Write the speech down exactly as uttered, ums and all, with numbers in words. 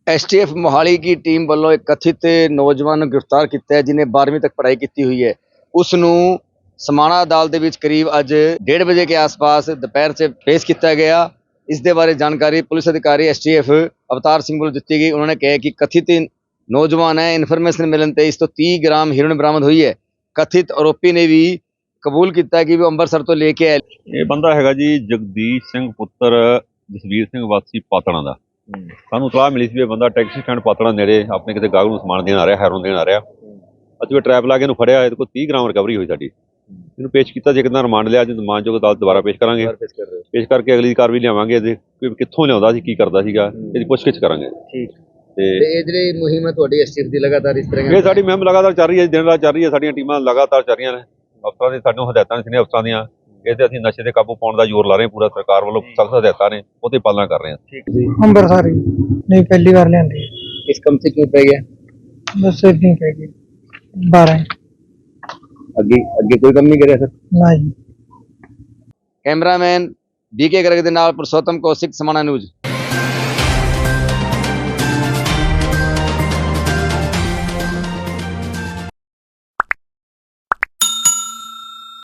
S T F Mohali की team वालों एक कथित नौजवान ਨੂੰ गिरफ्तार किया है जिन्हें बारहवीं तक पढ़ाई की हुई है। उसनू समाणा अदालत ਦੇ ਵਿੱਚ करीब अज डेढ़ बजे के आसपास दोपहर से पेश किया गया। इस दे बारे जानकारी पुलिस अधिकारी एस टी एफ अवतार सिंह को दी गई। उन्होंने कहा कि कथित नौजवान है, इन्फॉर्मेशन मिलने पर इस तो तीस ग्राम हेरोइन बरामद हुई है। कथित आरोपी ने भी कबूल किया कि वो अंबरसर तो लेके आए। ये बंदा हैगा जी जगदीश सिंह पुत्र जसवीर सिंह वासी पातड़ा का। ਸਾਨੂੰ ਸਲਾਹ ਮਿਲੀ ਸੀ ਵੀ ਬੰਦਾ ਟੈਕਸੀ ਸਟੈਂਡ ਪਾਤੜਾ ਨੇੜੇ ਆਪਣੇ ਕਿਤੇ ਗਾਹਕ ਨੂੰ ਸਮਾਨ ਦੇਣ ਆ ਰਿਹਾ, ਹੈਰੋਨ ਦੇਣ ਆ ਰਿਹਾ। ਅਸੀਂ ਟਰੈਪ ਲਾ ਕੇ ਇਹਨੂੰ ਫੜਿਆ, ਇਹਦੇ ਕੋਲ ਤੀਹ ਗ੍ਰਾਮ ਰਿਕਵਰੀ ਹੋਈ ਸਾਡੀ। ਇਹਨੂੰ ਪੇਸ਼ ਕੀਤਾ, ਜੇ ਕਿੰਨਾ ਰਿਮਾਂਡ ਲਿਆ, ਅੱਜ ਰਿਮਾਂਡਯੋਗ ਅਦਾਲਤ ਦੁਬਾਰਾ ਪੇਸ਼ ਕਰਾਂਗੇ। ਪੇਸ਼ ਕਰਕੇ ਅਗਲੀ ਕਾਰਵਾਈ ਲਿਆਵਾਂਗੇ। ਇਹਦੇ ਕਿੱਥੋਂ ਲਿਆਉਂਦਾ ਸੀ, ਕੀ ਕਰਦਾ ਸੀਗਾ, ਇਹਦੀ ਪੁੱਛਗਿੱਛ ਕਰਾਂਗੇ। ਠੀਕ ਤੇ ਇਹ ਜਿਹੜੀ ਮੁਹਿੰਮ ਹੈ ਤੁਹਾਡੀ ਐਸ ਟੀ ਐਫ ਦੀ ਲਗਾਤਾਰ ਇਸ ਤਰ੍ਹਾਂ ਇਹ ਸਾਡੀ ਮੁਹਿੰਮ ਲਗਾਤਾਰ ਚੱਲ ਰਹੀ ਹੈ, ਦਿਨ ਰਾਤ ਚੱਲ ਰਹੀ ਹੈ। ਸਾਡੀਆਂ ਟੀਮਾਂ ਲਗਾਤਾਰ ਚੱਲ ਰਹੀਆਂ ਨੇ। ਅਫਸਰਾਂ ਦੀ ਸਾਨੂੰ ਹਦਾਇਤਾਂ ਨੇ, ਅਫਸਰਾਂ ਦੀਆਂ ਇਹਦੇ ਅਸੀਂ ਨਸ਼ੇ ਤੇ ਕਾਬੂ ਪਾਉਣ ਦਾ ਜ਼ੋਰ ਲਾ ਰਹੇ ਹਾਂ। ਪੂਰਾ ਸਰਕਾਰ ਵੱਲੋਂ ਸਖਤ ਹਦਾਇਤਾਂ ਨੇ, ਉਹਦੀ ਪਾਲਣਾ ਕਰ ਰਹੇ ਹਾਂ। ਠੀਕ ਜੀ। ਅੰਬਰਸਰ नहीं पहली बार लेंदे इस कम से क्यों पै गया? बस नहीं पै गई बारह अगे अगे कोई कम नहीं करे सर ना जी। कैमरामैन बी के गर्ग दे नाल पुरुषोत्तम कौशिक समाणा न्यूज़।